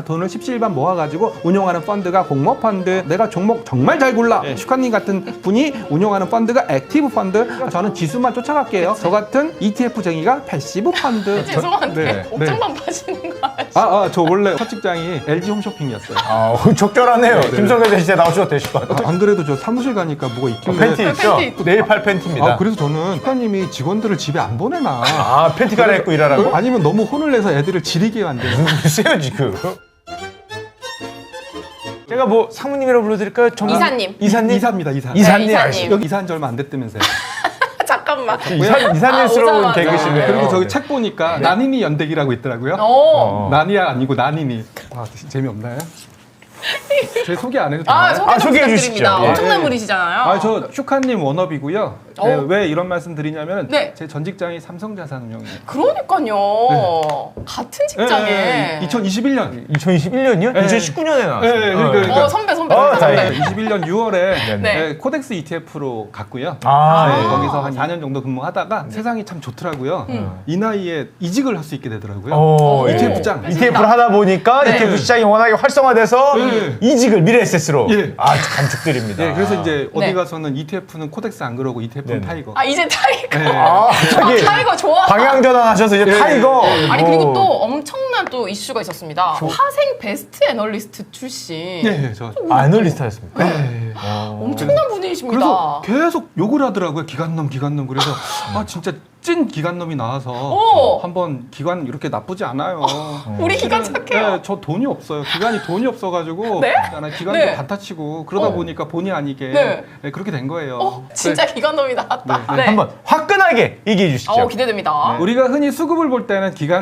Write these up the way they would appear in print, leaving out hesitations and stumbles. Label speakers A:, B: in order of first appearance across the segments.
A: 돈을 십시일반 모아가지고 운용하는 펀드가 공모 펀드, 내가 종목 정말 잘 골라. 슈카님 같은 분이 운용하는 펀드가 액티브 펀드, 저는 지수만 쫓아갈게요. 저 같은 ETF쟁이가 패시브 펀드.
B: 죄송한데 옥장만 파시는 거 아시죠?
A: 저 원래 첫 직장이 LG 홈쇼핑이었어요.
C: 적절하네요. 김성현 씨 나오셔도 되실 것 같아요.
A: 안 그래도 저 사무실 가니까 뭐가 있길래.
C: 팬티 있죠?
B: 팬티.
C: 내일 팔 팬티입니다.
A: 그래서 저는 슈카님이 직원들을 집에 안 보내나.
C: 팬티 갈아입고 일하라고?
A: 아니면 너무 혼을 내서 애들을 지리게 만드는.
C: 글쎄요 지금. 제가 뭐 사모님이라고 불러드릴까요?
B: 이사님.
C: 이사님?
A: 이사입니다, 이사.
C: 이사님.
B: 네, 이사님.
A: 여기 이사한 지 얼마 안 됐다면서요.
B: 잠깐만.
C: 이사님스러운
B: 오자마자.
C: 개그시네요.
A: 그리고 저기 책 보니까 난이니 연대기라고 있더라고요.
B: 오.
A: 난이야 아니고 난이니. 재미없나요? 제 소개 안 해도 되나요?
B: 소개 좀
C: 소개해
B: 부탁드립니다.
C: 주시죠. 예.
B: 엄청난 분이시잖아요.
A: 저 슈카님 워너비고요. 왜 이런 말씀 드리냐면
B: 네.
A: 제 전 직장이 삼성자산운용이에요.
B: 그러니까요. 같은 직장에.
A: 2021년.
C: 2021년이요?
A: 네.
C: 2019년에 나왔어요.
A: 그러니까
B: 선배.
C: 다행이다.
A: 21년 6월에
C: 네.
A: 코덱스 ETF로 갔고요.
C: 네.
A: 거기서 한 4년 정도 근무하다가 세상이 참 좋더라고요. 이 나이에 이직을 할 수 있게 되더라고요. ETF장.
C: ETF를 하다 보니까
A: 네.
C: ETF 시장이 워낙에 활성화돼서
A: 네.
C: 미래에셋으로
A: 예.
C: 감축드립니다.
A: 그래서 이제 어디
B: 네.
A: 가서는 ETF는 코덱스 안 그러고 ETF는
C: 네네.
A: 타이거.
B: 이제 타이거.
C: 갑자기
B: 타이거 좋아.
C: 방향 전환하셔서 이제 타이거.
B: 아니 그리고 또 엄청난 또 이슈가 있었습니다. 화생 베스트 애널리스트 출신.
A: 저.
C: 애널리스트였습니까?
B: 엄청난 분이십니다.
A: 그래서 계속 욕을 하더라고요. 기관놈. 그래서 진짜 찐 기관놈이 나와서 한번 기관 이렇게 나쁘지 않아요.
B: 우리 기관 착해요.
A: 네, 저 돈이 없어요. 기관이 돈이 없어가지고
B: 네?
A: 기관도
B: 네.
A: 반타치고 그러다 보니까 본의 아니게
B: 네.
A: 그렇게 된 거예요.
B: 진짜 기관놈이 나왔다. 네.
C: 한번 화끈하게 얘기해 주시죠.
B: 기대됩니다.
A: 우리가 흔히 수급을 볼 때는 기관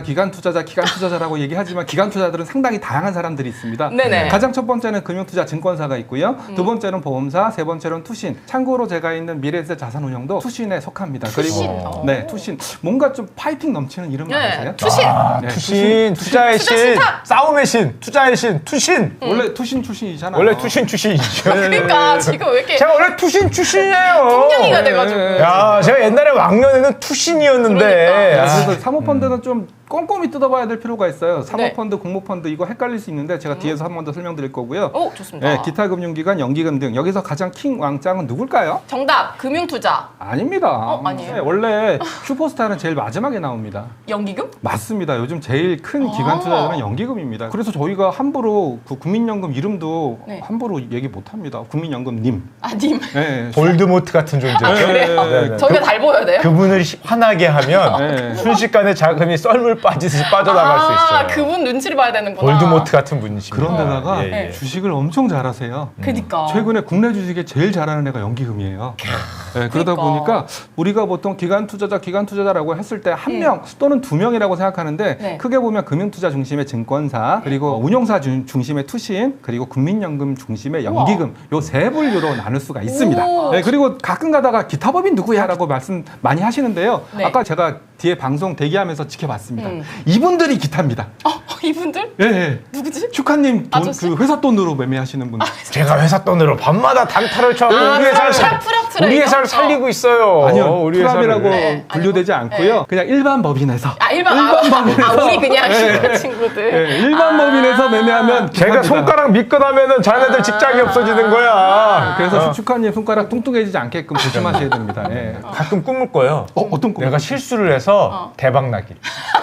A: 투자자라고 얘기하지만 기관 투자들은 상당히 다양한 사람들이 있습니다.
B: 네네.
A: 가장 첫 번째는 금융투자 증권사가 있고요. 두 번째는 보험사, 세 번째는 투신. 참고로 제가 있는 미래에셋 자산운용도 투신에 속합니다. 그리고 네, 투신. 뭔가 좀 파이팅 넘치는 이름 아세요?
B: 투신.
A: 네,
C: 투신, 투자의
B: 투자
C: 신,
B: 신탁.
C: 싸움의 신, 투자의 신, 투신.
A: 원래 투신 출신이잖아요.
C: 원래 투신 출신이죠.
B: 그러니까 지금 왜 이렇게
C: 제가 원래 투신 출신이에요.
B: 풍경이가 돼가지고.
C: 야, 제가 옛날에 왕년에는 투신이었는데.
B: 그러니까.
A: 그래서 사모펀드는 좀 꼼꼼히 뜯어봐야 될 필요가 있어요. 사모펀드,
B: 네.
A: 공모펀드 이거 헷갈릴 수 있는데 제가 뒤에서 한 번 더 설명드릴 거고요.
B: 좋습니다.
A: 네, 기타 금융기관, 연기금 등 여기서 가장 킹 왕짱은 누굴까요?
B: 정답 금융투자.
A: 아닙니다.
B: 아니에요?
A: 네, 원래 슈퍼스타는 제일 마지막에 나옵니다.
B: 연기금?
A: 맞습니다. 요즘 제일 큰 기관 투자자는 연기금입니다. 그래서 저희가 함부로 그 국민연금 이름도
B: 네.
A: 함부로 얘기 못합니다. 국민연금님.
B: 님.
A: 네.
C: 볼드모트 같은 존재죠.
B: 그래요?
C: 네.
B: 저희가 달 보여야 돼요?
C: 그분을 화나게 하면
A: 네.
C: 순식간에 자금이 썰물 빠지듯이 빠져나갈 수 있어요.
B: 그분 눈치를 봐야 되는구나.
C: 볼드모트 같은 분이십니다.
A: 그런데다가
C: 예, 예.
A: 주식을 엄청 잘하세요.
B: 그니까.
A: 최근에 국내 주식에 제일 잘하는 애가 연기금이에요. 네, 그러다
B: 그러니까.
A: 보니까 우리가 보통 기관 투자자라고 했을 때 한 명 또는 두 명이라고 생각하는데
B: 네.
A: 크게 보면 금융투자 중심의 증권사, 그리고 운용사 중심의 투신, 그리고 국민연금 중심의 연기금 요 세 분류로 나눌 수가 있습니다.
B: 오.
A: 네, 그리고 가끔 가다가 기타법인 누구야라고 말씀 많이 하시는데요.
B: 네.
A: 아까 제가 뒤에 방송 대기하면서 지켜봤습니다. 이분들이 기타입니다.
B: 이분들?
A: 예, 예.
B: 누구지?
A: 슈카님 돈,
B: 아저씨?
A: 그 회사 돈으로 매매하시는 분.
C: 제가 회사 돈으로 밤마다 단타를 쳐서 우리 회사를
B: 프랍 트레이더?
C: 우리 회사를 살리고 있어요.
A: 아니요,
C: 우리
A: 프랍이라고
B: 네,
A: 분류되지 않고요. 그냥 일반 법인에서.
B: 일반
A: 법인에서.
B: 우리 그냥
A: 네.
B: 친구들.
A: 예, 일반 법인에서 매매하면
C: 제가
A: 기사입니다.
C: 손가락 미끈하면은 자네들 직장이 없어지는 거야.
A: 그래서 슈카님 손가락 뚱뚱해지지 않게끔 조심하셔야 됩니다. 예.
C: 가끔 꿈을 꿔요.
A: 어떤 꿈?
C: 내가 실수를 해서 대박 나기.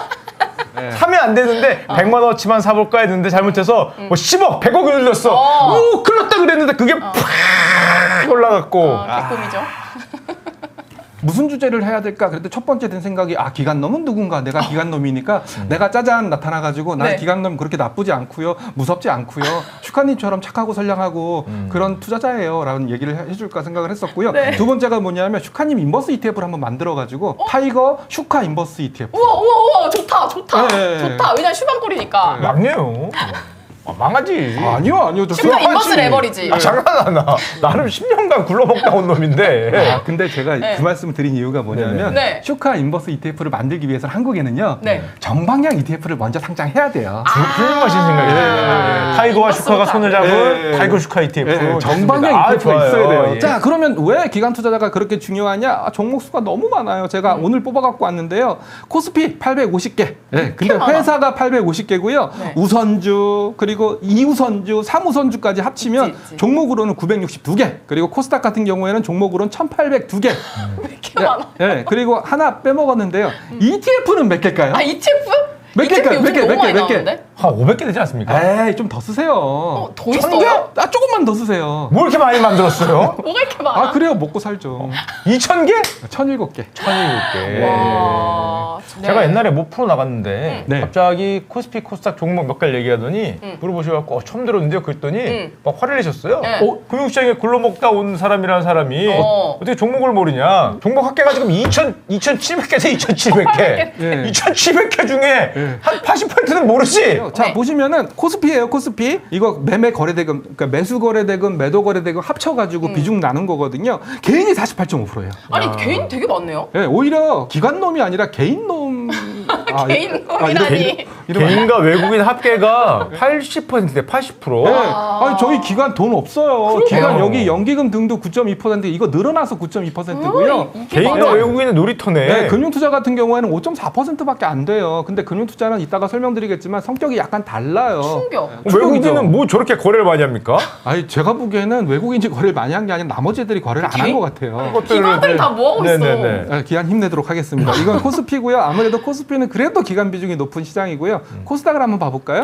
A: 네.
C: 사면 안 되는데 100만 원어치만 사볼까 했는데 잘못해서 뭐 10억, 100억이 눌렸어. 오, 큰일 났다 그랬는데 그게 팍 올라갔고.
B: 개꿈이죠.
A: 무슨 주제를 해야 될까? 그랬더니 첫 번째 든 생각이 기관놈은 누군가? 내가 기관놈이니까 내가 짜잔 나타나가지고 난
B: 네.
A: 기관놈 그렇게 나쁘지 않고요. 무섭지 않고요. 슈카님처럼 착하고 선량하고 그런 투자자예요. 라는 얘기를 해줄까 생각을 했었고요.
B: 네.
A: 두 번째가 뭐냐면 슈카님 인버스 ETF를 한번 만들어가지고 타이거 슈카 인버스 ETF.
B: 우와 좋다.
A: 네.
B: 좋다. 왜냐면 슈방골이니까.
C: 막내요. 망하지.
A: 아니요. 저
B: 슈카 인버스 레버리지.
C: 장난하나. 나름 10년간 굴러먹다 온 놈인데.
A: 근데 제가
B: 네.
A: 그 말씀을 드린 이유가 뭐냐면
B: 네.
A: 슈카 인버스 ETF를 만들기 위해서 한국에는요
B: 네.
A: 정방향 ETF를 먼저 상장해야 돼요.
C: 훌륭하신 생각이에요. 타이거와
B: 인버스
C: 슈카가
B: 못하-
C: 손을 잡은 타이거 슈카 ETF.
A: 네, 정방향
C: 좋습니다.
A: ETF가 있어야 돼요.
C: 예.
A: 자, 그러면 왜 기관 투자자가 그렇게 중요하냐? 종목 수가 너무 많아요. 제가 오늘 뽑아갖고 왔는데요. 코스피 850개. 네, 근데
B: 많아.
A: 회사가 850개고요.
B: 네.
A: 우선주 그리고 2우선주, 3우선주까지 합치면
B: 있지.
A: 종목으로는 962개. 그리고 코스닥 같은 경우에는 종목으로는 1,802개.
B: 왜 이렇게 많아?
A: 네, 그리고 하나 빼먹었는데요. ETF는 몇 개일까요?
B: 아 ETF?
A: 몇 개일까요?
B: ETF 요즘
A: 몇 개,
B: 너무 많이
A: 몇 개?
B: 나오는데?
C: 한 500개 되지 않습니까?
A: 에이, 좀 더 쓰세요.
B: 더 있어요?
A: 조금만 더 쓰세요.
C: 뭐 이렇게 많이 만들었어요?
B: 뭐가 이렇게 많아?
A: 아, 그래요. 먹고 살죠.
C: 2,000개?
A: 1,007개.
C: 1,007개.
B: 와. 네.
C: 제가 옛날에 뭐 프로 나갔는데
A: 네.
C: 갑자기 코스피 코스닥 종목 몇 개를 얘기하더니 물어보셔갖고 처음 들었는데요 그랬더니 막 화를 내셨어요.
B: 네.
C: 금융시장에 굴러먹다 온 사람이라는 사람이 어떻게 종목을 모르냐. 종목 합계가 지금 2,700개세 2,700개.
A: 예.
C: 2,700개 중에 한 80%는 모르지.
A: 자,
B: 네.
A: 보시면은 코스피예요, 코스피. 이거 매매 거래대금, 그러니까 매수 거래대금, 매도 거래대금 합쳐가지고 비중 나눈 거거든요. 개인이 48.5%예요.
B: 아니 개인 되게 많네요.
A: 예, 오히려 기관놈이 아니라 개인놈.
B: 개인 놈이라니.
C: 개인과 외국인 합계가 80%대 80%.
A: 네. 아니, 저희 기관 돈 없어요.
B: 그러게요.
A: 기관 여기 연기금 등도 9.2%, 이거 늘어나서 9.2%고요.
C: 개인과
B: 맞아.
C: 외국인은 놀이터네.
A: 네, 금융투자 같은 경우에는 5.4%밖에 안 돼요. 근데 금융투자는 이따가 설명드리겠지만 성격이 약간 달라요.
B: 충격.
C: 외국인은 뭐 저렇게 거래를 많이 합니까?
A: 아니, 제가 보기에는 외국인이 거래를 많이 한 게 아니라 나머지 애들이 거래를 안 한 것 같아요.
B: 기관들 다 뭐하고 있어?
C: 네네네.
A: 네, 기간 힘내도록 하겠습니다. 이건 코스피고요. 아무래도 코스피는 그래도 기간 비중이 높은 시장이고요. 코스닥을 한번 봐볼까요?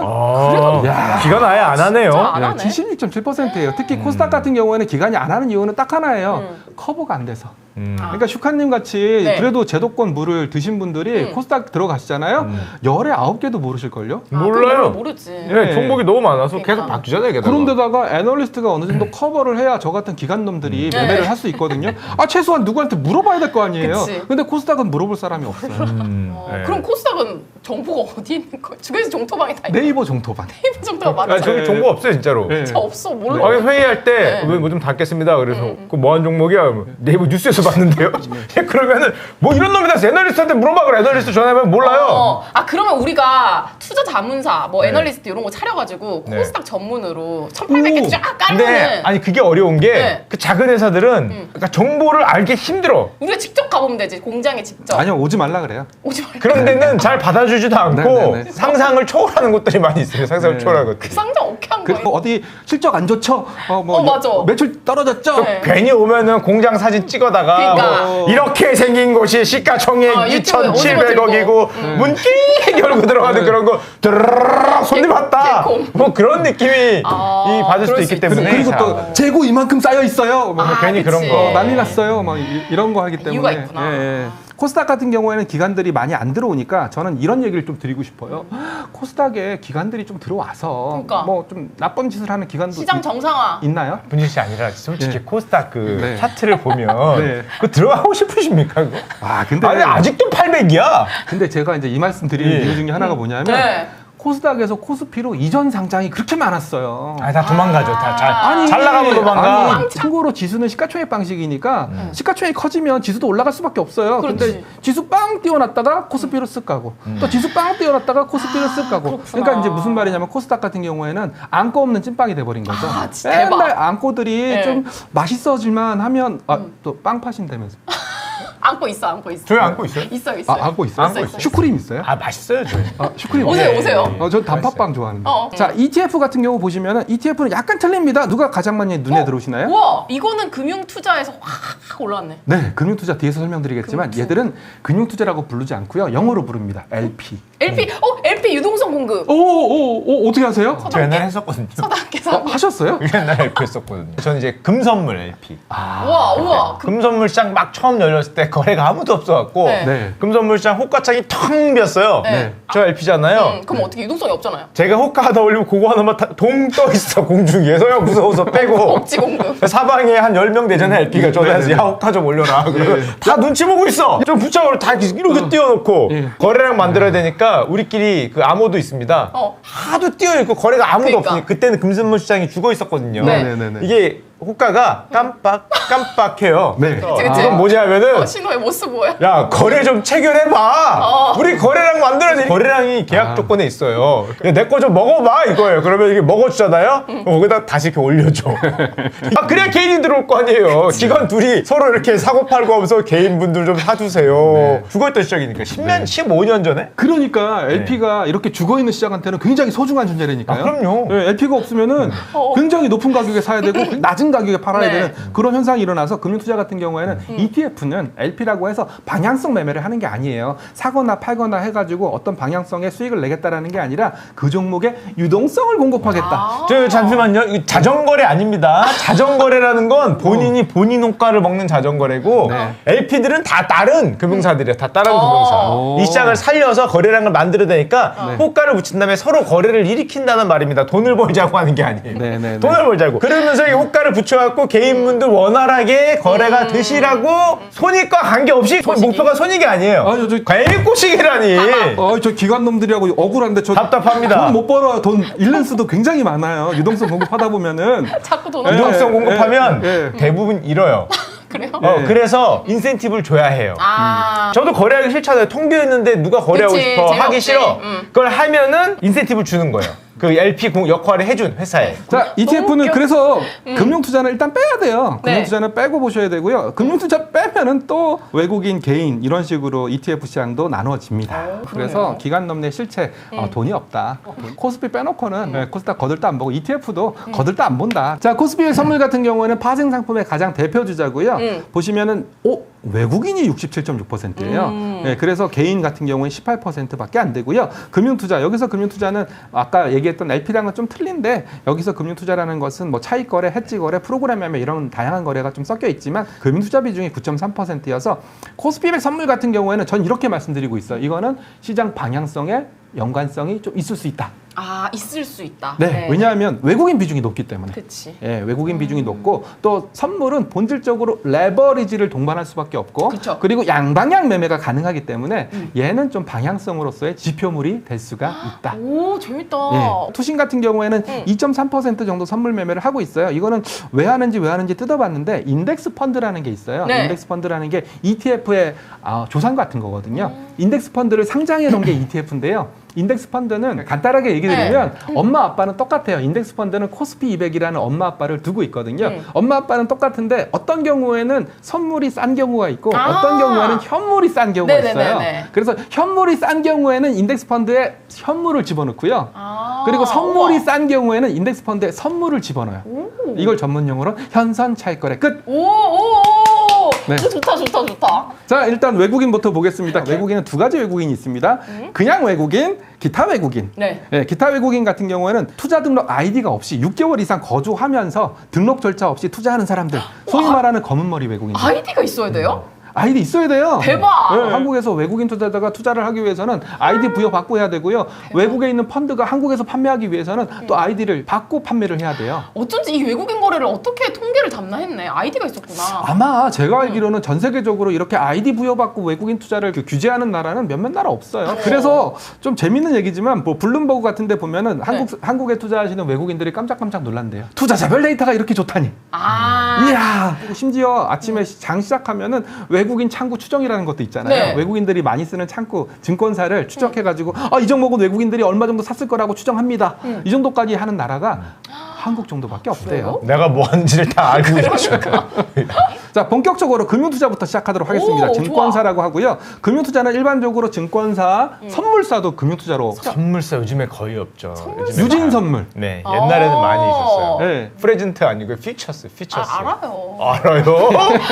C: 야, 기간 아예 안 하네요.
B: 진짜 안 하네.
A: 76.7%예요. 특히 코스닥 같은 경우에는 기간이 안 하는 이유는 딱 하나예요. 커버가 안 돼서. 그러니까 슈카님 같이
B: 네.
A: 그래도 제도권 물을 드신 분들이 코스닥 들어가시잖아요. 열에 9개도 모르실걸요?
C: 몰라요.
B: 모르지.
C: 예, 종목이 너무 많아서
B: 그러니까.
C: 계속 바뀌잖아요. 게다가.
A: 그런데다가 애널리스트가 어느 정도 커버를 해야 저 같은 기관놈들이 매매를 할 수 있거든요. 아, 최소한 누구한테 물어봐야 될 거 아니에요.
B: 그치.
A: 근데 코스닥은 물어볼 사람이 없어요.
C: 예.
B: 그럼 코스닥은 정보가 어디 있는 거야? 주변에서 정토방이 다 있는
A: 네이버 정토반.
B: 네이버 정토가
C: 아,
B: 맞죠?
C: 저기 정보 없어요, 진짜로.
A: 네.
B: 진짜 없어 몰라.
C: 아, 회의할 때
B: 네.
C: 뭐 좀 닫겠습니다. 그래서 그 뭐한 종목이야? 네이버 뉴스에서 봤는데요. 그러면은 뭐 이런 놈이 다 애널리스트한테 물어봐 그래. 애널리스트 전화하면 몰라요.
B: 아 그러면 우리가 투자 자문사 뭐
C: 네.
B: 애널리스트 이런 거 차려가지고
C: 네.
B: 코스닥 전문으로 1,800개 쫙
C: 근데
B: 깔면은
C: 아니 그게 어려운 게
B: 네.
C: 그 작은 회사들은 그러니까 정보를 알기 힘들어.
B: 우리가 직접 가보면 되지 공장에 직접.
A: 아니요, 오지 말라 그래요.
B: 오지 말고.
C: 그런 데는 잘 받아주지도 않고
A: 네, 네.
C: 상상을 초월하는 것들이 많이 있어요. 상상을
A: 네.
C: 초월하는 것들이.
B: 그 상장 어떻게 한
A: 그리고
B: 거예요?
A: 어디 실적 안 좋죠? 뭐
B: 맞아.
A: 매출 떨어졌죠?
B: 네.
C: 괜히 오면은 공장 사진 찍어다가
B: 그러니까.
C: 뭐 이렇게 생긴 곳이 시가총액
B: 유튜브에
C: 2,700억이고 문 낑 열고 들어가는 그런 거 드르르르 손님 왔다
B: 개콩.
C: 뭐 그런 느낌이 이 받을 수도
B: 그럴
C: 있기
B: 수
C: 때문에
A: 그리고
C: 잘
A: 또 재고 이만큼 쌓여 있어요. 뭐
C: 괜히
B: 그치.
C: 그런 거.
A: 난리 났어요. 막 이런 거 하기 때문에.
B: 이유가 있구나.
A: 코스닥 같은 경우에는 기관들이 많이 안 들어오니까 저는 이런 얘기를 좀 드리고 싶어요. 코스닥에 기관들이 좀 들어와서
B: 그러니까.
A: 뭐 좀 나쁜 짓을 하는 기관도
B: 시장 정상화.
A: 있나요?
C: 분진 씨 아니라 솔직히
A: 네.
C: 코스닥 그
A: 네.
C: 차트를 보면
A: 네.
C: 그 들어가고 싶으십니까 그거?
A: 아, 근데
C: 아니 아직도 800이야.
A: 근데 제가 이제 이 말씀 드리는
C: 예.
A: 이유 중에 하나가 뭐냐면
B: 네.
A: 코스닥에서 코스피로 이전 상장이 그렇게 많았어요.
C: 아니 다 도망가죠. 다
B: 아니,
C: 잘 나가면 도망가.
A: 아니, 참고로 지수는 시가총액 방식이니까 시가총액이 커지면 지수도 올라갈 수밖에 없어요.
B: 그렇지.
A: 근데 지수 빵 띄워놨다가 코스피로 쓱 가고 또 지수 빵 띄워놨다가 코스피로 쓱 가고.
B: 그렇구나.
A: 그러니까 이제 무슨 말이냐면 코스닥 같은 경우에는 안고 없는 찐빵이 돼버린 거죠.
B: 아, 진짜 대박.
A: 맨날 안고들이
B: 네.
A: 좀 맛있어질만 하면 또 빵 파신다면서.
B: 안고 있어 안고 있어.
C: 저희 안고 있어요?
B: 있어요 있어요.
A: 안고 있어요?
C: 안고 있어요.
A: 슈크림 있어요?
C: 아 맛있어요 저희.
A: 슈크림
B: 오세요
A: 없어요?
B: 오세요.
A: 전 단팥빵 좋아하는데.
B: 자,
A: 자, ETF 같은 경우 보시면은 ETF는 약간 틀립니다. 누가 가장 많이 눈에 들어오시나요?
B: 우와 이거는 금융 투자에서 확 올라왔네.
A: 네, 금융투자 뒤에서 설명드리겠지만
B: 금융투자.
A: 얘들은 금융투자라고 부르지 않고요. 영어로 부릅니다. LP.
B: LP 유동성 공급.
A: 오, 어떻게 하세요?
C: 저 옛날에 했었거든요.
B: 서당계산.
A: 하셨어요?
C: 옛날에 LP 했었거든요. 저는 이제 금선물 LP.
B: 우와.
C: 금선물 시장 막 처음 열렸을 때 거래가 아무도 없어갖고
B: 네.
A: 네.
C: 금선물 시장 호가창이 텅 비었어요.
B: 네.
C: 저 LP잖아요.
B: 그럼 어떻게 유동성이 없잖아요.
C: 제가 호가 하나 올리면 그거 하나만 동 떠 있어 공중에. 서영 무서워서 빼고.
B: 억지 공급.
C: 사방에 한 10명 되잖아요. LP가 전화해서 야 호가 좀 올려라. 그러면 다 눈치 보고 있어. 좀 붙잡으러 다 이렇게 띄워놓고
A: 예.
C: 거래량 만들어야 되니까 보니까 우리끼리 그 암호도 있습니다. 하도 뛰어있고 거래가 아무도
B: 그러니까.
C: 없으니 그때는 금순물 시장이 죽어 있었거든요.
B: 네.
A: 네네네.
C: 이게 호가가 깜빡해요.
A: 네.
B: 그치.
C: 이건 뭐냐면은
B: 신호의 모습 뭐야?
C: 야 거래 좀 체결해봐. 우리 거래량 만들어야지. 거래량이 계약 조건에 있어요. 내 거 좀 먹어봐 이거예요. 그러면 이게 먹어주잖아요. 거기다 다시 이렇게 올려줘. 아 그래야 개인이 들어올 거 아니에요. 직원 둘이 서로 이렇게 사고 팔고 하면서 개인분들 좀 사주세요. 죽어있던 시작이니까 10년, 15년 전에.
A: 그러니까 LP가 이렇게 죽어있는 시장한테는 굉장히 소중한 존재라니까요.
C: 아, 그럼요.
A: 네, LP가 없으면은 굉장히 높은 가격에 사야 되고 낮은 가격에 팔아야
B: 네.
A: 되는 그런 현상이 일어나서 금융투자 같은 경우에는 ETF는 LP라고 해서 방향성 매매를 하는 게 아니에요. 사거나 팔거나 해가지고 어떤 방향성의 수익을 내겠다라는 게 아니라 그 종목의 유동성을 공급하겠다.
C: 저 잠시만요. 이거 자전거래 아닙니다. 자전거래라는 건 본인이 본인 호가를 먹는 자전거래고
A: 네.
C: LP들은 다 다른 금융사들이에요. 다 다른 금융사.
A: 오.
C: 이 시장을 살려서 거래량을 만들어내니까 호가를 붙인 다음에 서로 거래를 일으킨다는 말입니다. 돈을 벌자고 하는 게 아니에요.
A: 네네네.
C: 돈을 벌자고. 그러면서 이 호가를 붙여갖고 개인분들 원활하게 거래가 되시라고 손익과 관계없이 목표가 손익이 아니에요.
A: 아니, 저-
C: 괜히 꼬시기라니.
A: 저 기관 놈들이라고 억울한데 저
C: 답답합니다.
A: 돈 못 벌어요. 돈 잃는 수도 굉장히 많아요. 유동성 공급하다 보면은
B: 자꾸 돈
A: 네.
B: 없어.
C: 유동성 공급하면
A: 예.
C: 대부분 잃어요.
B: 그래요?
C: 그래서 인센티브를 줘야 해요.
B: 저도
C: 저도 거래하기 싫잖아요. 텅 비어있는데 누가 거래하고
B: 그치,
C: 싶어 하기
B: 재미없지.
C: 싫어. 그걸 하면은 인센티브를 주는 거예요. 그 LP 역할을 해준 회사에.
A: 자, ETF는
B: 웃겨.
A: 그래서 금융투자는 일단 빼야 돼요.
B: 네.
A: 금융투자는 빼고 보셔야 되고요. 금융투자 빼면은 또 외국인, 개인 이런 식으로 ETF 시장도 나눠집니다. 그래서 기관 넘내 실체 돈이 없다. 코스피 빼놓고는 코스닥 거들떠 안 보고 ETF도 거들떠 안 본다. 자, 코스피 선물 같은 경우에는 파생 상품의 가장 대표 주자고요. 보시면은 외국인이 67.6%예요. 네, 그래서 개인 같은 경우는 18%밖에 안 되고요. 금융투자 여기서 금융투자는 아까 얘기했던 LP랑은 좀 틀린데 여기서 금융투자라는 것은 뭐 차익 거래, 해지 거래, 프로그램 매매 이런 다양한 거래가 좀 섞여 있지만 금융투자 비중이 9.3%여서 코스피 100 선물 같은 경우에는 전 이렇게 말씀드리고 있어요. 이거는 시장 방향성에 연관성이 좀 있을 수 있다.
B: 있을 수 있다.
A: 네, 왜냐하면 외국인 비중이 높기 때문에.
B: 그치.
A: 예, 외국인 비중이 높고 또 선물은 본질적으로 레버리지를 동반할 수밖에 없고
B: 그쵸.
A: 그리고 양방향 매매가 가능하기 때문에 얘는 좀 방향성으로서의 지표물이 될 수가 있다.
B: 오, 재밌다.
A: 예, 투신 같은 경우에는 2.3% 정도 선물 매매를 하고 있어요. 이거는 왜 하는지 뜯어봤는데 인덱스 펀드라는 게 있어요.
B: 네.
A: 인덱스 펀드라는 게 ETF의 조상 같은 거거든요. 인덱스 펀드를 상장해 놓은 게 ETF인데요. 인덱스 펀드는 간단하게 얘기 드리면 엄마 아빠는 똑같아요. 인덱스 펀드는 코스피 200이라는 엄마 아빠를 두고 있거든요. 엄마 아빠는 똑같은데 어떤 경우에는 선물이 싼 경우가 있고 어떤 경우에는 현물이 싼 경우가
B: 네네네네.
A: 있어요. 그래서 현물이 싼 경우에는 인덱스 펀드에 현물을 집어넣고요. 그리고 선물이
B: 우와.
A: 싼 경우에는 인덱스 펀드에 선물을 집어넣어요. 이걸 전문 용어로 현선 차익거래 끝.
B: 오.
A: 네.
B: 이거 좋다.
A: 자, 일단 외국인부터 보겠습니다. 외국인은 두 가지 외국인이 있습니다. 그냥 외국인, 기타 외국인.
B: 네.
A: 기타 외국인 같은 경우에는 투자 등록 아이디가 없이 6개월 이상 거주하면서 등록 절차 없이 투자하는 사람들. 소위 말하는 검은 머리 외국인들.
B: 아이디가 있어야 돼요?
A: 아이디 있어야 돼요.
B: 대박!
A: 네, 한국에서 외국인 투자자가 투자를 하기 위해서는 아이디 부여받고 해야 되고요. 외국에 있는 펀드가 한국에서 판매하기 위해서는 또 아이디를 받고 판매를 해야 돼요.
B: 어쩐지 이 외국인 거래를 어떻게 통계를 담나 했네. 아이디가 있었구나.
A: 아마 제가 알기로는 전 세계적으로 이렇게 아이디 부여받고 외국인 투자를 규제하는 나라는 몇몇 나라 없어요. 그래서 좀 재밌는 얘기지만 뭐 블룸버그 같은 데 보면은 한국에 투자하시는 외국인들이 깜짝깜짝 놀란대요. 투자자별 데이터가 이렇게 좋다니. 이야. 그리고 심지어 아침에 장 시작하면은 외국인 창구 추정이라는 것도 있잖아요.
B: 네.
A: 외국인들이 많이 쓰는 창구 증권사를 추적해가지고 이 정도는 외국인들이 얼마 정도 샀을 거라고 추정합니다. 이 정도까지 하는 나라가 한국 정도밖에 없대요.
C: 내가 뭐 하는지를 다 알고 있죠.
A: 자, 본격적으로 금융투자부터 시작하도록 하겠습니다.
B: 오,
A: 증권사라고 하고요. 금융투자는 일반적으로 증권사, 선물사도 금융투자로
C: 선물사 요즘에 거의 없죠. 요즘에
A: 유진 선물.
C: 네, 옛날에는 많이 있었어요.
A: 네.
C: 프레젠트 아니고 퓨처스.
B: 알아요.
C: 알아요?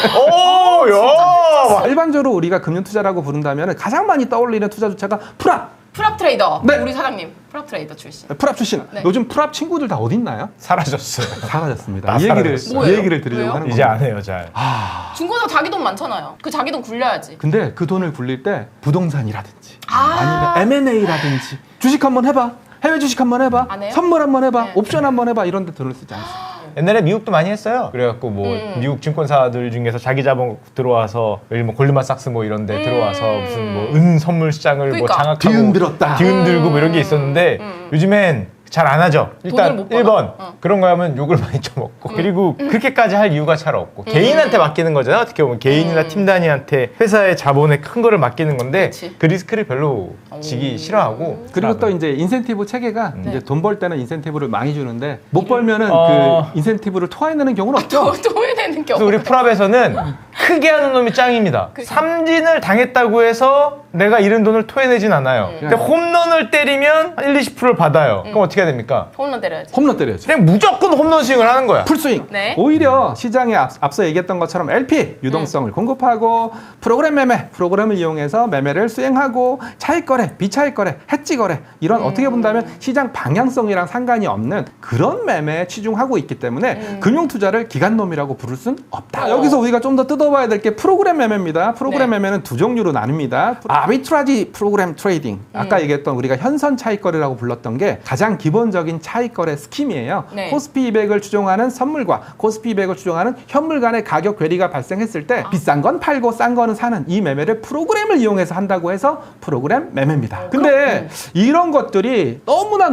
C: 오, 야!
A: 일반적으로 우리가 금융투자라고 부른다면 가장 많이 떠올리는 투자 주체가 프랍.
B: 프랍 트레이더.
A: 네.
B: 우리 사장님. 프랍 트레이더 출신.
A: 프랍 출신.
B: 네.
A: 요즘 프랍 친구들 다 어디 있나요?
C: 사라졌어요.
A: 사라졌습니다.
C: 다
A: 이 얘기를
C: 사라졌어요.
A: 이 얘기를 드리려고
B: 왜요?
A: 하는
C: 이제
A: 겁니다.
C: 안 해요, 잘.
B: 중고사 자기 돈 많잖아요. 그 자기 돈 굴려야지.
A: 근데 그 돈을 굴릴 때 부동산이라든지 아니면 M&A라든지 주식 한번 해봐. 해외 주식 한번 해봐.
B: 안 해요?
A: 선물 한번 해봐.
B: 네.
A: 옵션 한번 해봐. 이런 데 돈을 쓰지 않습니다.
C: 옛날에 미국도 많이 했어요. 그래갖고 뭐 미국 증권사들 중에서 자기 자본 들어와서 여기 뭐 골드만삭스 뭐 이런데 들어와서 무슨 뭐 은 선물 시장을 뭐
B: 그러니까.
C: 장악하고
A: 뒤흔들었다.
C: 뒤흔들고 뭐 이런 게 있었는데 요즘엔 잘 안 하죠. 일단
B: 돈을 못 받아.
C: 1번 그런 거 하면 욕을 많이 쳐먹고 그리고 그렇게까지 할 이유가 잘 없고 개인한테 맡기는 거잖아요. 어떻게 보면 개인이나 팀 단위한테 회사의 자본의 큰 거를 맡기는 건데
B: 그치.
C: 그 리스크를 별로 지기 싫어하고
A: 그리고 또 이제 인센티브 체계가 이제 돈 벌 때는 인센티브를 많이 주는데 못 벌면은
C: 어.
A: 그 인센티브를 토해내는 경우는 없죠.
B: 도해내는 경우.
C: 그래서 우리 풀업에서는 크게 하는 놈이 짱입니다. 삼진을 당했다고 해서 내가 잃은 돈을 토해내진 않아요. 근데 홈런을 때리면 1, 20%를 받아요. 그럼 어떻게 해야 됩니까?
B: 홈런 때려야지.
A: 홈런 때려야죠.
C: 그냥 무조건 홈런 스윙을 하는 거야.
A: 풀스윙.
B: 네.
A: 오히려 시장에 앞서 얘기했던 것처럼 LP 유동성을 공급하고 프로그램 매매, 프로그램을 이용해서 매매를 수행하고 차익 거래, 비차익 거래, 해지 거래 이런 어떻게 본다면 시장 방향성이랑 상관이 없는 그런 매매에 치중하고 있기 때문에 금융 투자를 기관놈이라고 부를 순 없다. 여기서 우리가 좀 더 뜯어봐야 될 게 프로그램 매매입니다. 프로그램
B: 네.
A: 매매는 두 종류로 나뉩니다. 아비트라지 프로그램 트레이딩. 아까 얘기했던 우리가 현선 차익 거래라고 불렀던 게 가장 기본적인 차익 거래 스킴이에요.
B: 네.
A: 코스피 200을 추종하는 선물과 코스피 200을 추종하는 현물 간의 가격 괴리가 발생했을 때 비싼 건 팔고 싼 거는 사는 이 매매를 프로그램을 이용해서 한다고 해서 프로그램 매매입니다. 근데 이런 것들이 너무나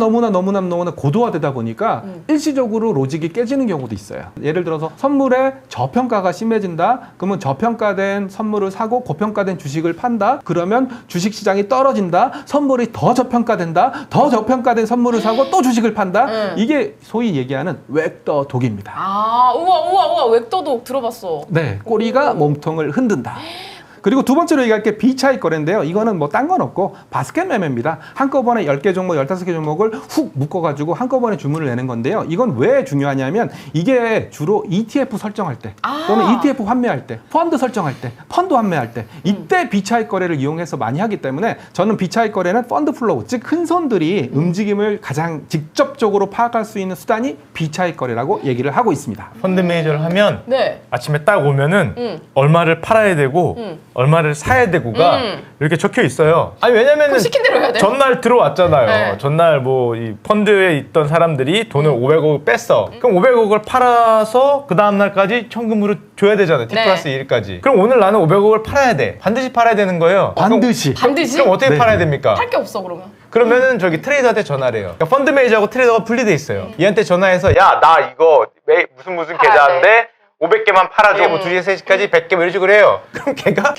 A: 고도화되다 보니까 일시적으로 로직이 깨지는 경우도 있어요. 예를 들어서 선물의 저평가가 심해진다. 그러면 저평가된 선물을 사고 고평가된 주식을 판다. 그러면 주식 시장이 떨어진다. 선물이 더 저평가된다. 더 저평가된 선물을 사고 또 주식을 판다. 이게 소위 얘기하는 웩더 독입니다.
B: 아, 우와, 웹도도 들어봤어.
A: 네, 꼬리가 몸통을 흔든다. 그리고 두 번째로 얘기할 게 비차익 거래인데요. 이거는 뭐 딴 건 없고 바스켓 매매입니다. 한꺼번에 10개 종목, 15개 종목을 훅 묶어가지고 한꺼번에 주문을 내는 건데요. 이건 왜 중요하냐면 이게 주로 ETF 설정할 때 또는 ETF 환매할 때, 펀드 설정할 때, 펀드 환매할 때 이때 비차익 거래를 이용해서 많이 하기 때문에 저는 비차익 거래는 펀드 플로우, 즉 큰 손들이 움직임을 가장 직접적으로 파악할 수 있는 수단이 비차익 거래라고 얘기를 하고 있습니다.
C: 펀드 매니저를 하면
B: 네.
C: 아침에 딱 오면은 얼마를 팔아야 되고 얼마를 사야 되고가 이렇게 적혀 있어요. 아니 왜냐면은
B: 그럼 시킨 대로 해야 돼요?
C: 전날 들어왔잖아요.
B: 네.
C: 전날 뭐 이 펀드에 있던 사람들이 돈을 500억 뺐어. 그럼 500억을 팔아서 그 다음 날까지 현금으로 줘야 되잖아요. T
B: 네.
C: 플러스 1까지. 그럼 오늘 나는 500억을 팔아야 돼. 반드시 팔아야 되는 거예요.
A: 반드시.
B: 반드시?
C: 그럼 어떻게
A: 네.
C: 팔아야 됩니까?
B: 할 게 없어, 그러면.
C: 그러면은 저기 트레이더한테 전화를 해요. 그러니까 펀드 매니저하고 트레이더가 분리돼 있어요. 얘한테 전화해서 야, 나 이거 무슨
B: 팔아야
C: 계좌인데 500개만 팔아줘. 뭐 2시, 3시까지 100개 뭐 이런 식으로 해요. 그럼 걔가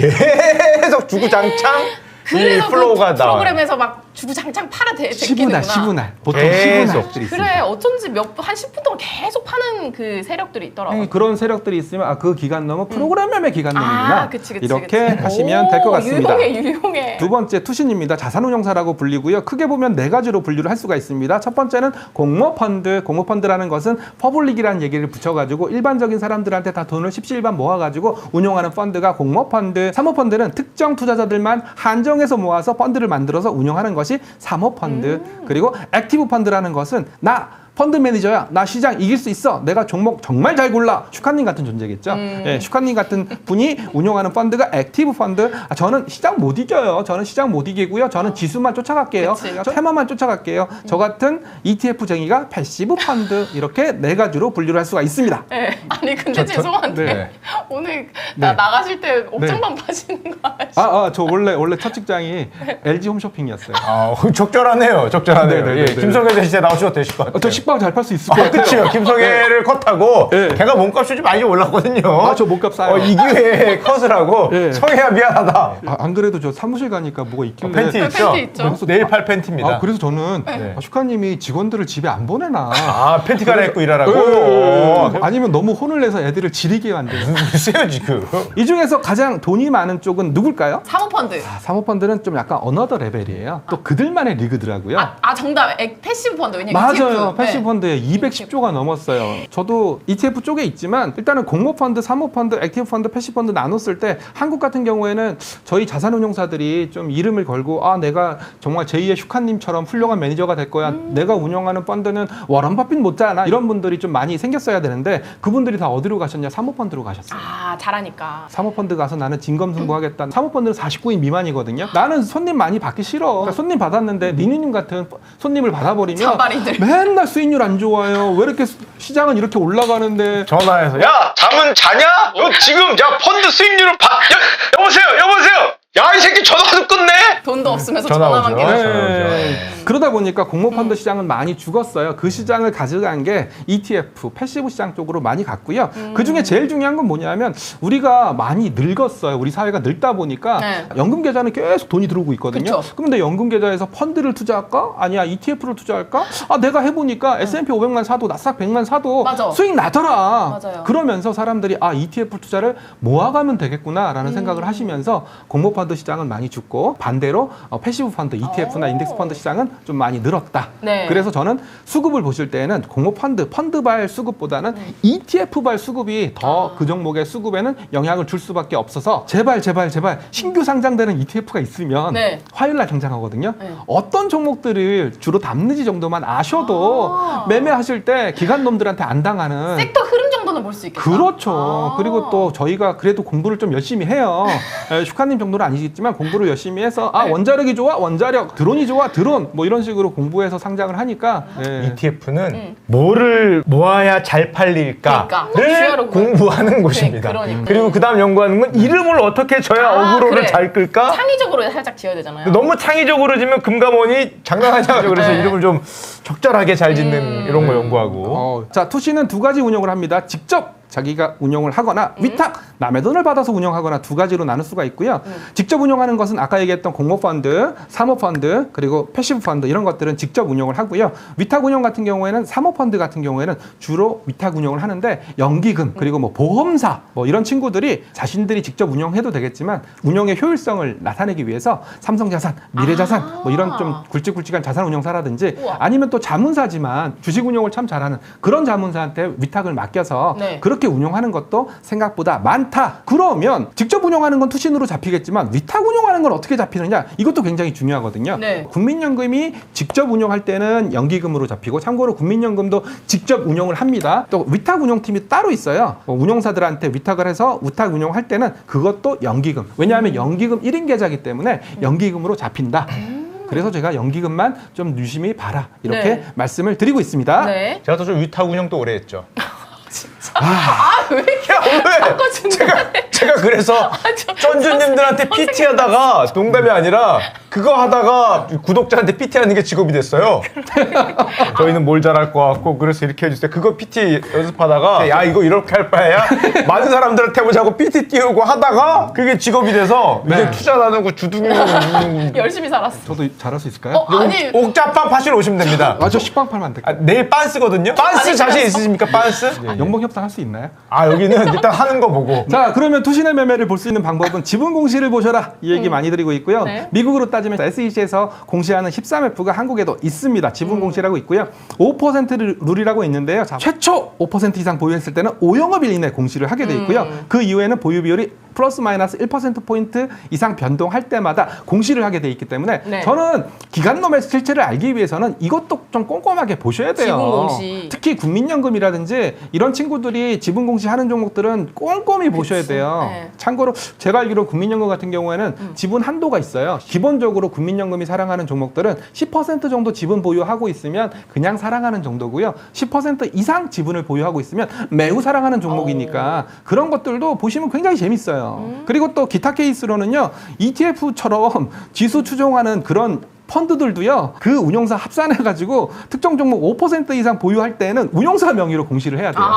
C: 계속 주구장창 이
B: 그래서
C: 플로우가
B: 그
C: 나와요.
B: 프로그램에서 막 주구장창 팔아 되는구나.
A: 10분할. 보통
C: 계속.
A: 10분할들이 있습니다.
B: 그래, 어쩐지 한 10분 동안 계속 파는 그 세력들이 있더라고.
A: 그런 세력들이 있으면 그 기간놈은 프로그램 매매 기간놈이구나.
B: 아, 그치.
A: 이렇게 하시면 될 것 같습니다.
B: 유용해.
A: 두 번째 투신입니다. 자산운용사라고 불리고요. 크게 보면 네 가지로 분류를 할 수가 있습니다. 첫 번째는 공모펀드. 공모펀드라는 것은 퍼블릭이라는 얘기를 붙여가지고 일반적인 사람들한테 다 돈을 십시일반 모아가지고 운용하는 펀드가 공모펀드. 사모펀드는 특정 투자자들만 한정해서 모아서 펀드를 만들어서 운용하는 것이 사모펀드. 그리고 액티브 펀드라는 것은 펀드 매니저야. 나 시장 이길 수 있어. 내가 종목 정말 잘 골라. 슈카님 같은 존재겠죠. 예, 슈카님 같은 분이 운용하는 펀드가 액티브 펀드. 저는 시장 못 이겨요. 저는 시장 못 이기고요. 저는 지수만 쫓아갈게요.
B: 그치.
A: 저 테마만 쫓아갈게요. 저 같은 ETF쟁이가 패시브 펀드. 이렇게 네 가지로 분류를 할 수가 있습니다.
B: 네. 아니 근데 죄송한데
A: 네.
B: 오늘
A: 네.
B: 나가실 때 옥장만 파시는 거 아시죠?
A: 저 원래 첫 직장이 LG 홈쇼핑이었어요.
C: 적절하네요. 적절하네요.
A: 네, 네,
C: 예,
A: 네, 네.
C: 김성현 대신 나오셔도 되실 것 같아요.
A: 저 식빵 잘 팔 수 있을 것 같아요.
C: 그치요. 김성애를 컷하고
A: 네.
C: 걔가 몸값이 좀 많이 올랐거든요.
A: 저 몸값 싸요.
C: 이 기회에 컷을 하고
A: 네.
C: 성애야 미안하다.
A: 안 그래도 저 사무실 가니까 뭐가 있길래
C: 팬티 있죠?
B: 팬티 있죠.
C: 내일 팔 팬티입니다.
A: 그래서 저는
C: 네.
A: 슈카님이 직원들을 집에 안 보내나.
C: 팬티 갈아입고 일하라고?
A: 아니면 너무 혼을 내서 애들을 지리게 만드는.
C: 글쎄요 지금.
A: 이 중에서 가장 돈이 많은 쪽은 누굴까요?
B: 사모펀드.
A: 사모펀드는 좀 약간 어너더 레벨이에요. 또 그들만의 리그더라고요.
B: 정답. 패시브 펀드. 왜냐면
A: 맞아요.
B: ETF.
A: 패시브 펀드에 210조가 넘었어요. 저도 ETF 쪽에 있지만 일단은 공모펀드, 사모펀드, 액티브 펀드, 패시브 펀드 나눴을 때 한국 같은 경우에는 저희 자산운용사들이 좀 이름을 걸고 내가 정말 제2의 슈카님처럼 훌륭한 매니저가 될 거야. 내가 운영하는 펀드는 워런 버핏 못지않아. 이런 분들이 좀 많이 생겼어야 되는데 그분들이 다 어디로 가셨냐? 사모펀드로 가셨어요.
B: 잘하니까.
A: 사모펀드 가서 나는 진검승부하겠다. 사모펀드는 49인 미만이거든요. 나는 손님 많이 받기 싫어. 그러니까 손님 받았는데 니니님 같은 손님을 받아버리면
B: 잔발이들.
A: 맨날 수익 수익률 안 좋아요. 왜 이렇게 시장은 이렇게 올라가는데
C: 전화해서 야 잠은 자냐? 너 지금 야 펀드 수익률을 여보세요. 야 이 새끼 전화도 끊네.
B: 돈도 없으면서
C: 전화
B: 전화만
C: 오죠.
B: 계속.
A: 네. 그러다 보니까 공모펀드 시장은 많이 죽었어요. 그 시장을 가져간 게 ETF, 패시브 시장 쪽으로 많이 갔고요. 그중에 제일 중요한 건 뭐냐면 우리가 많이 늙었어요. 우리 사회가 늙다 보니까
B: 네.
A: 연금 계좌는 계속 돈이 들어오고 있거든요.
B: 그쵸.
A: 그런데 연금 계좌에서 펀드를 투자할까? 아니야 ETF를 투자할까? 아 내가 해보니까 S&P 500만 사도 나스닥 100만 사도
B: 맞아.
A: 수익 나더라.
B: 맞아요.
A: 그러면서 사람들이 아 ETF 투자를 모아가면 되겠구나라는 생각을 하시면서 공모펀드 시장은 많이 죽고 반대로 패시브 펀드 ETF나 인덱스 펀드 시장은 좀 많이 늘었다.
B: 네.
A: 그래서 저는 수급을 보실 때는 공모펀드 펀드발 수급보다는 ETF발 수급이 더 그 종목의 수급에는 영향을 줄 수밖에 없어서 제발 신규 상장되는 ETF가 있으면
B: 네.
A: 화요일 날 상장하거든요.
B: 네.
A: 어떤 종목들을 주로 담는지 정도만 아셔도 매매하실 때 기관놈들한테 안 당하는
B: 섹터 흐름 정도는 볼 수 있겠다.
A: 그렇죠. 그리고 또 저희가 그래도 공부를 좀 열심히 해요. 슈카님 정도는 아니겠지만 공부를 열심히 해서 아 원자력이 좋아 원자력, 드론이 좋아 드론 뭐 이런 식으로 공부해서 상장을 하니까
C: ETF는 뭐를 모아야 잘 팔릴까를
B: 그러니까.
C: 공부하는 곳입니다.
B: 그러니까.
C: 그리고 그다음 연구하는 건 이름을 어떻게 줘야 어그로를
B: 그래.
C: 잘 끌까?
B: 창의적으로 살짝 지어야 되잖아요.
C: 너무 창의적으로 지면 금감원이 장난하지 않죠. 그래서
B: 네.
C: 이름을 좀 적절하게 잘 짓는 이런 거 연구하고.
A: 자 투시는 두 가지 운영을 합니다. 직접 자기가 운영을 하거나 위탁 남의 돈을 받아서 운영하거나 두 가지로 나눌 수가 있고요. 직접 운영하는 것은 아까 얘기했던 공모펀드, 사모펀드 그리고 패시브 펀드 이런 것들은 직접 운영을 하고요. 위탁 운영 같은 경우에는 사모펀드 같은 경우에는 주로 위탁 운영을 하는데 연기금 그리고 뭐 보험사 뭐 이런 친구들이 자신들이 직접 운영해도 되겠지만 운영의 효율성을 나타내기 위해서 삼성자산, 미래자산 뭐 이런 좀 굵직굵직한 자산 운용사라든지
B: 우와.
A: 아니면 또 자문사지만 주식 운용을 참 잘하는 그런 자문사한테 위탁을 맡겨서
B: 네.
A: 그렇게 운영하는 것도 생각보다 많다. 그러면 직접 운영하는 건 투신으로 잡히겠지만 위탁 운영하는 건 어떻게 잡히느냐? 이것도 굉장히 중요하거든요.
B: 네.
A: 국민연금이 직접 운영할 때는 연기금으로 잡히고 참고로 국민연금도 직접 운영을 합니다. 또 위탁 운영팀이 따로 있어요. 운용사들한테 위탁을 해서 위탁 운영할 때는 그것도 연기금. 왜냐하면 연기금 1인 계좌이기 때문에 연기금으로 잡힌다. 그래서 제가 연기금만 좀 유심히 봐라. 이렇게
B: 네.
A: 말씀을 드리고 있습니다.
B: 네.
C: 제가 또 좀 위탁 운영도 오래 했죠.
B: 왜 이렇게
C: 왜?
B: 바꿔준다.
C: 제가 그래서 쩐주님들한테 PT 하다가 농담이 아니라 그거 하다가 구독자한테 PT 하는 게 직업이 됐어요. 저희는 뭘 잘할 것 같고 그래서 이렇게 해주세요. 그거 PT 연습하다가 야 이거 이렇게 할 바에야 많은 사람들한테 해보자고 PT 띄우고 하다가 그게 직업이 돼서 이제 투자 나누고 주둥이
B: 열심히 살았어.
A: 저도 잘할 수 있을까요?
B: 아니
C: 옥자빵 파시러 오시면 됩니다.
A: 저 식빵 팔면 안 될까요?
C: 내일 빤스거든요. 빤스 자신 있으십니까? 빤스?
A: 연봉 협상할 수 있나요?
C: 아 여기는 일단 하는 거 보고.
A: 자, 그러면 투신의 매매를 볼 수 있는 방법은 지분 공시를 보셔라. 이 얘기 많이 드리고 있고요.
B: 네.
A: 미국으로 따지면 SEC에서 공시하는 13F가 한국에도 있습니다. 지분 공시라고 있고요. 5% 룰이라고 있는데요. 자, 최초 5% 이상 보유했을 때는 5영업일 이내 공시를 하게 돼 있고요. 그 이후에는 보유 비율이 플러스 마이너스 1%포인트 이상 변동할 때마다 공시를 하게 돼 있기 때문에
B: 네.
A: 저는 기관놈의 실체를 알기 위해서는 이것도 좀 꼼꼼하게 보셔야 돼요.
B: 지분 공시.
A: 특히 국민연금이라든지 이런 친구들이 지분 공시하는 종목들은 꼼꼼히 보셔야 돼요.
B: 네.
A: 참고로 제가 알기로 국민연금 같은 경우에는 지분 한도가 있어요. 기본적으로 국민연금이 사랑하는 종목들은 10% 정도 지분 보유하고 있으면 그냥 사랑하는 정도고요. 10% 이상 지분을 보유하고 있으면 매우 사랑하는 종목이니까 그런 것들도 보시면 굉장히 재밌어요. 그리고 또 기타 케이스로는요. ETF처럼 지수 추종하는 그런 펀드들도요. 그 운용사 합산해가지고 특정 종목 5% 이상 보유할 때는 운용사 명의로 공시를 해야 돼요.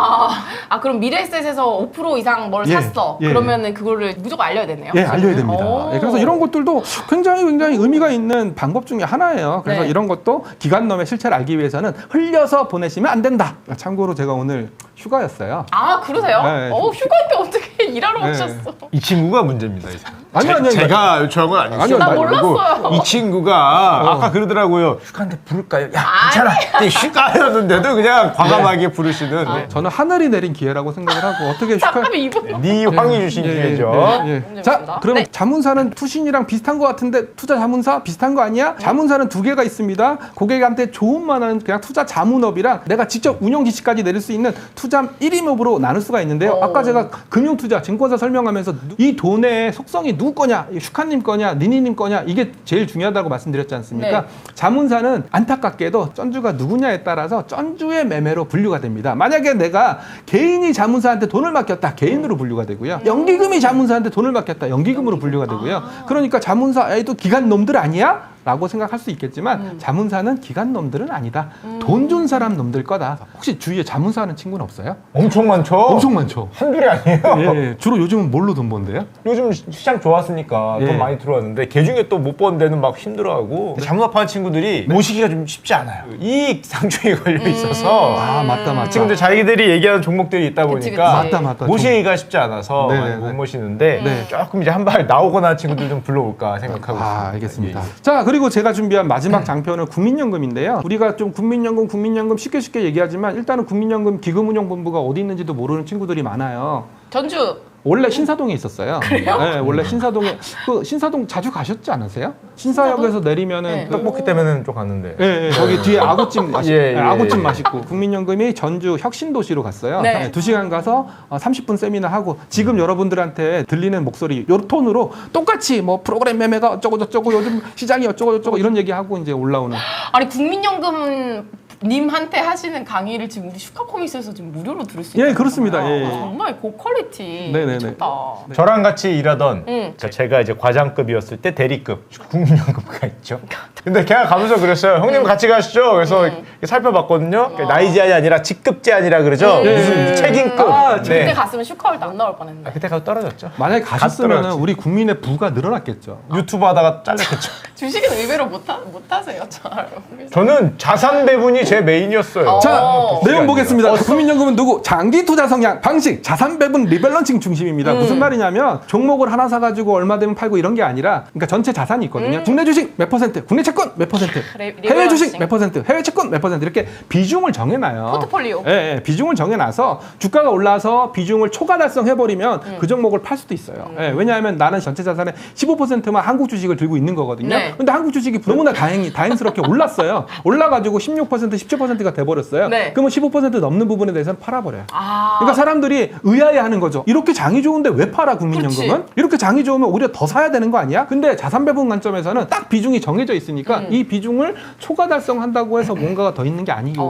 B: 그럼 미래에셋에서 5% 이상 뭘 샀어.
A: 예.
B: 그러면은 그거를 무조건 알려야 되네요.
A: 예, 알려야 됩니다.
B: 오.
A: 예, 그래서 이런 것들도 굉장히 의미가 있는 방법 중에 하나예요. 그래서
B: 네.
A: 이런 것도 기관놈의 실체를 알기 위해서는 흘려서 보내시면 안 된다. 참고로 제가 오늘 휴가였어요.
B: 그러세요?
A: 네.
B: 휴가인데 어떻게 일하러
A: 네.
B: 오셨어?
C: 이 친구가 문제입니다. 이 사람.
A: 아니요.
C: 제가 저런 건 아니었어요.
A: 아니요, 나
B: 몰랐어요.
C: 이 친구가 아까 그러더라고요. 휴가인데 부를까요? 야 괜찮아. 근데 휴가였는데도 그냥 과감하게 부르시는
A: 저는 하늘이 내린 기회라고 생각을 하고 어떻게 휴가
B: 잠깐만 이분.
C: 네 황이 주신 기회죠.
A: 자,
B: 문제입니다.
A: 그러면
B: 네.
A: 자문사는 투신이랑 비슷한 것 같은데 투자 자문사 비슷한 거 아니야? 자문사는 두 개가 있습니다. 고객한테 좋은만 하는 그냥 투자 자문업이랑 내가 직접 운영 지시까지 내릴 수 있는 투자 1임업으로 나눌 수가 있는데요. 아까 제가 금융투자, 증권사 설명하면서 이 돈의 속성이 누구 거냐, 슈카님 거냐, 니니님 거냐, 이게 제일 중요하다고 말씀드렸지 않습니까?
B: 네.
A: 자문사는 안타깝게도 전주가 누구냐에 따라서 전주의 매매로 분류가 됩니다. 만약에 내가 개인이 자문사한테 돈을 맡겼다, 개인으로 분류가 되고요. 연기금이 자문사한테 돈을 맡겼다, 연기금으로 분류가 되고요. 그러니까 자문사 애도 기간 놈들 아니야? 라고 생각할 수 있겠지만 자문사는 기간 놈들은 아니다. 돈 준 사람 놈들 거다. 혹시 주위에 자문사 하는 친구는 없어요?
C: 엄청 많죠.
A: 엄청 많죠.
C: 한둘이 아니에요.
A: 예, 주로 요즘은 뭘로 돈 번대요?
C: 요즘 시장 좋았으니까
A: 예.
C: 돈 많이 들어왔는데 개 중에 또 못 번 데는 막 힘들어하고 자문합하는 친구들이 모시기가 좀 쉽지 않아요. 이익 상충이 걸려 있어서
A: 아, 맞다.
C: 친구들 자기들이 얘기하는 종목들이 있다
B: 그치,
C: 보니까
B: 그치.
A: 맞다.
C: 모시기가 쉽지 않아서
A: 네,
C: 많이
A: 네,
C: 못
A: 네.
C: 모시는데
A: 네.
C: 조금 이제 한 발 나오거나 한 친구들 좀 불러올까 생각하고 있습니다.
A: 아, 알겠습니다.
C: 예.
A: 자, 그리고 제가 준비한 마지막 장편은 국민연금인데요. 우리가 좀 국민연금 쉽게 얘기하지만 일단은 국민연금 기금운용본부가 어디 있는지도 모르는 친구들이 많아요.
B: 전주
A: 원래 신사동에 있었어요. 그래요? 네, 원래 신사동에 신사동 자주 가셨지 않으세요? 신사역에서 내리면은
B: 네.
C: 떡볶이 때문에 좀 갔는데.
A: 예, 거기 뒤에 아구찜 맛있고,
C: 예, 예,
A: 아구찜
C: 예.
A: 맛있고. 국민연금이 전주 혁신도시로 갔어요.
B: 네.
A: 2시간 가서 30분 세미나 하고 지금 여러분들한테 들리는 목소리 요 톤으로 똑같이 뭐 프로그램 매매가 어쩌고 저쩌고 요즘 시장이 어쩌고 저쩌고 이런 얘기하고 이제 올라오는.
B: 아니 국민연금 님한테 하시는 강의를 지금 우리 슈카코믹스에서 지금 무료로 들을 수 있어요.
A: 예, 그렇습니다. 예, 예.
B: 정말 고퀄리티
A: 네네네.
B: 미쳤다.
C: 저랑 같이 일하던
B: 응.
C: 제가 이제 과장급이었을 때 대리급 국민연금가 있죠. 근데 걔가 가면서 그랬어요. 형님 같이 가시죠. 그래서 살펴봤거든요. 나이 제한이 아니라 직급 제한이라 그러죠.
A: 예.
C: 무슨 책임급.
A: 아,
B: 그때
C: 네.
B: 갔으면 슈카월드 안 나올 뻔했네.
C: 그때 가서 떨어졌죠.
A: 만약에 가셨으면
C: 떨어졌지.
A: 우리 국민의 부가 늘어났겠죠.
C: 유튜브 하다가 잘렸겠죠.
B: 주식은 의외로 못하세요. 잘.
C: 저는 자산 배분이 제 메인이었어요.
A: 자,
B: 어.
A: 내용 보겠습니다. 국민연금은 누구? 장기 투자 성향, 방식, 자산 배분 리밸런싱 중심입니다. 무슨 말이냐면 종목을 하나 사가지고 얼마 되면 팔고 이런 게 아니라, 그러니까 전체 자산이 있거든요. 국내 주식 몇 퍼센트, 국내 채권 몇 퍼센트, 해외 주식 몇 퍼센트, 해외 채권 몇 퍼센트 이렇게 비중을 정해놔요.
B: 포트폴리오.
A: 예, 비중을 정해놔서 주가가 올라서 비중을 초과 달성해버리면 그 종목을 팔 수도 있어요. 예, 왜냐하면 나는 전체 자산의 15%만 한국 주식을 들고 있는 거거든요.
B: 네.
A: 근데 한국 주식이 너무나 다행스럽게 올랐어요. 올라가지고 16%, 17%가 돼버렸어요.
B: 네.
A: 그러면 15% 넘는 부분에 대해서는 팔아버려요.
B: 아.
A: 그러니까 사람들이 의아해하는 거죠. 이렇게 장이 좋은데 왜 팔아 국민연금은?
B: 그렇지.
A: 이렇게 장이 좋으면 오히려 더 사야 되는 거 아니야? 근데 자산 배분 관점에서는 딱 비중이 정해져 있으니까 이 비중을 초과 달성한다고 해서 뭔가가 더 있는 게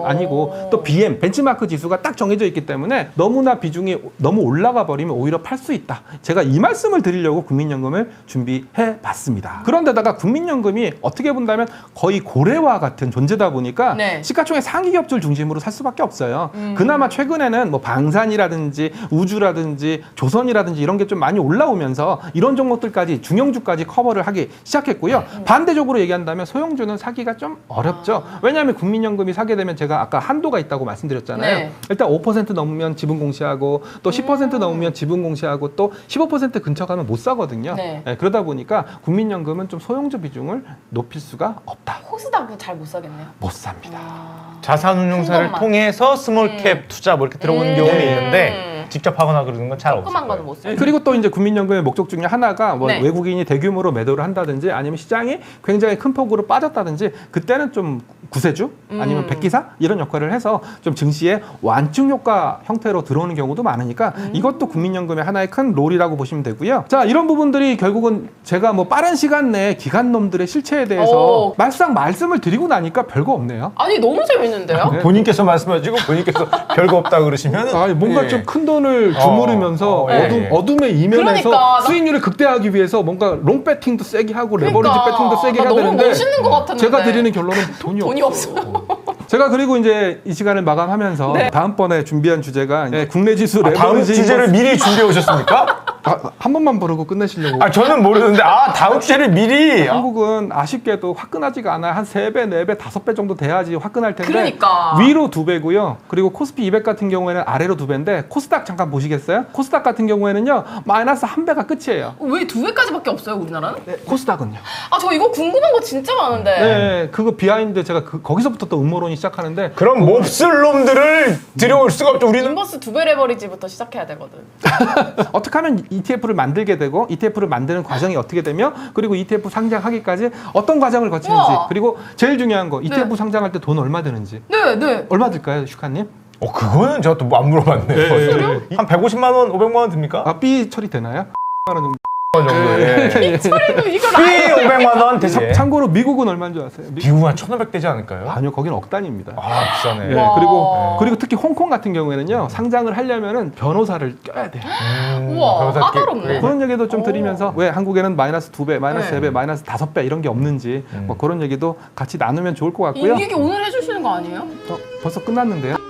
A: 아니고 또 BM 벤치마크 지수가 딱 정해져 있기 때문에 너무나 비중이 너무 올라가 버리면 오히려 팔 수 있다. 제가 이 말씀을 드리려고 국민연금을 준비해 봤습니다. 그런데다가 국민연금이 어떻게 본다면 거의 고래와 같은 존재다 보니까
B: 네.
A: 시가총액 상위 기업들 중심으로 살 수밖에 없어요. 그나마 최근에는 뭐 방산이라든지 우주라든지 조선이라든지 이런 게 좀 많이 올라오면서 이런 종목들까지 중형주까지 커버를 하기 시작했고요. 반대적으로 얘기한다면 소형주는 사기가 좀 어렵죠. 왜냐하면 국민연금이 사게 되면 제가 아까 한도가 있다고 말씀드렸잖아요.
B: 네.
A: 일단 5% 넘으면 지분 공시하고 또 10% 넘으면 지분 공시하고 또 15% 근처 가면 못 사거든요.
B: 네.
A: 네, 그러다 보니까 국민연금은 좀 소형주 비중을 높일 수가 없다.
B: 코스닥도 잘 못 사겠네요.
A: 못 삽니다.
C: 자산운용사를
B: 큰 것만.
C: 통해서 스몰캡 투자 뭐 이렇게 들어오는 경우는
B: 네.
C: 있는데 직접 하거나 그러는 건 잘 없어요.
B: 조그만 거는 못 사요.
A: 그리고 또 이제 국민연금의 목적 중에 하나가 뭐
B: 네.
A: 외국인이 대규모로 매도를 한다든지 아니면 시장이 굉장히 큰 폭으로 빠졌다든지 그때는 좀 구세주 아니면 백기사 이런 역할을 해서 좀 증시에 완충 효과 형태로 들어오는 경우도 많으니까 이것도 국민연금의 하나의 큰 롤이라고 보시면 되고요. 자, 이런 부분들이 결국은 제가 뭐 빠른 시간 내에 기관놈들의 실체에 대해서
B: 오.
A: 말씀을 드리고 나니까 별거 없네요.
B: 아니 너무 재밌는데요?
A: 네.
C: 본인께서 말씀하시고 본인께서 별거 없다 그러시면
A: 아, 뭔가 좀 큰 돈을 주무르면서
C: 예.
A: 어둠의 이면에서
B: 그러니까,
A: 수익률을 극대화하기 위해서 뭔가 롱 배팅도 세게 하고
B: 그러니까.
A: 레버리지 배팅도 세게 해야
B: 너무
A: 되는데
B: 멋있는 것 같았는데.
A: 제가 드리는 결론은 돈이
B: 없어요.
A: 제가 그리고 이제 이 시간을 마감하면서
B: 네.
A: 다음번에 준비한 주제가 이제 국내 지수
C: 다음
A: 레버리지
C: 주제를 미리 준비해 오셨습니까?
A: 한 번만 부르고 끝내시려고.
C: 아 저는 모르는데 다음 주제를 미리
A: 한국은 아쉽게도 화끈하지가 않아요. 한 3배, 4배, 5배 정도 돼야지 화끈할 텐데
B: 그러니까.
A: 위로 2배고요. 그리고 코스피 200 같은 경우에는 아래로 2배인데 코스닥 잠깐 보시겠어요? 코스닥 같은 경우에는요. 마이너스 1배가 끝이에요.
B: 왜 2배까지밖에 없어요 우리나라는?
A: 네, 코스닥은요.
B: 아 저 이거 궁금한 거 진짜 많은데.
A: 네, 그거 비하인드 제가 거기서부터 또 음모론이 시작하는데
C: 그럼 몹쓸 놈들을 들여올 수가 없죠. 우리는
B: 인버스 2배 레버리지부터 시작해야 되거든.
A: 어떻게 하면 ETF를 만들게 되고 ETF를 만드는 과정이 어떻게 되며 그리고 ETF 상장하기까지 어떤 과정을 거치는지
B: 우와.
A: 그리고 제일 중요한 거 ETF
B: 네.
A: 상장할 때 돈 얼마 드는지
B: 네.
A: 얼마 들까요, 슈카님?
C: 그거는 제가 또 안 물어봤네요. 한 150만 원, 500만 원 듭니까?
A: 아, 삐 처리 되나요? 정도
C: 정도에.
B: 철이는 이걸
C: 피 500만 원 대신.
A: 참고로 미국은 얼마인 줄 아세요?
C: 미국은 한 1,500 되지 않을까요?
A: 아니요, 거기는 억 단위입니다.
C: 아, 비싸네.
A: 네,
B: 와.
A: 그리고 특히 홍콩 같은 경우에는요, 상장을 하려면은 변호사를 껴야 돼요.
B: 우와,
C: 변호사
B: 까다롭네.
A: 그런 얘기도 좀
B: 오.
A: 드리면서 왜 한국에는 마이너스 2배, 마이너스
B: 네.
A: 3배, 마이너스 5배 이런 게 없는지 뭐 그런 얘기도 같이 나누면 좋을 것 같고요.
B: 이 얘기 오늘 해주시는 거 아니에요?
A: 벌써 끝났는데요.